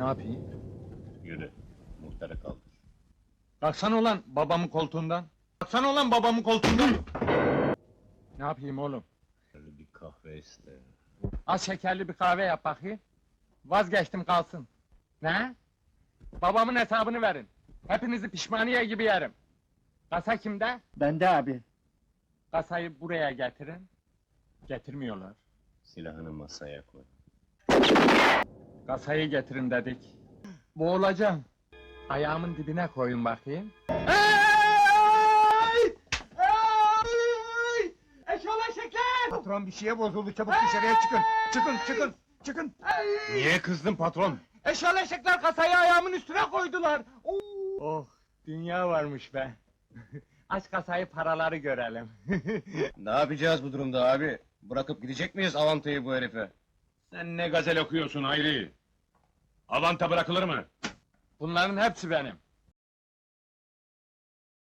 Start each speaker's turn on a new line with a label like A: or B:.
A: Ne yapayım?
B: Yürü, muhtarı kaldır.
A: Kalksana ulan babamın koltuğundan. Kalksana ulan babamın koltuğundan. Ne yapayım oğlum?
B: Şöyle bir kahve iste.
A: Az şekerli bir kahve yap bakayım. Vazgeçtim kalsın. Ne? Babamın hesabını verin. Hepinizi pişmaniye gibi yerim. Kasa kimde?
C: Bende abi.
A: Kasayı buraya getirin. Getirmiyorlar.
B: Silahını masaya koy.
A: Kasayı getirin dedik. Boğulacağım. Ayağımın dibine koyun bakayım. Eşolaşıklar!
C: Patron bir şeye bozuldu, çabuk dışarıya çıkın. Çıkın.
A: Niye kızdın patron? Eşolaşıklar kasayı ayağımın üstüne koydular. Oh, dünya varmış be. Aç kasayı paraları görelim.
B: Ne yapacağız bu durumda abi? Bırakıp gidecek miyiz Avanta'yı bu herife?
D: Sen ne gazel okuyorsun Hayri? Avanta bırakılır mı?
A: Bunların hepsi benim.